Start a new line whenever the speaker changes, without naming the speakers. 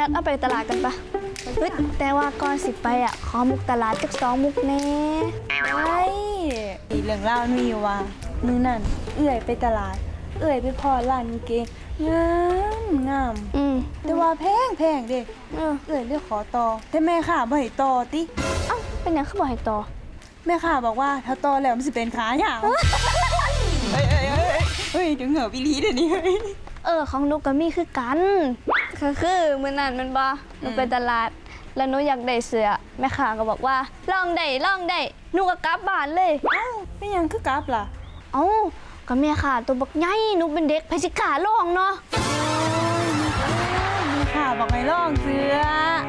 นัดเอาไปตลาดกันปะเฮ้ยแต่ว่าก่อนสิไปอ่ะขอมุกตลาดจัก2 มุกแน่
ไอ้เรื่องเล่ามีอยู่ว่ามื้อนั่นเอื้อยไปตลาดเอื้อยไปพอร้านกางเกงงามแต่ว่าแพงเด้เอื้อยเลยขอต่อแต่แม่ค่ะบ่ให้ต่อติ
เอ้าเป็นหยังคือบ่ให้ต่อ
แม่ค่ะบอกว่าถ้าต่อแล้วมันสิเป็นขายาวเฮ้ยถึงเหงาพี่ลีเดี๋ยวนี้
ของหนูก็มีคือกันคือมื้อนั้นมันบ่หนูไปตลาดแล้วหนูอยากได้เสื้อแม่ค้าก็บอกว่าลองได้หนูก็กลับบ้านเลย
เอ้าเป็นหยังคือกลับล่ะ
เอ้าก็แม่ค้าตัวบักใหญ่หนูเป็นเด็กไผสิกล้าลองเนาะ
แม่ค่ะบอกให้ลองเสื้อ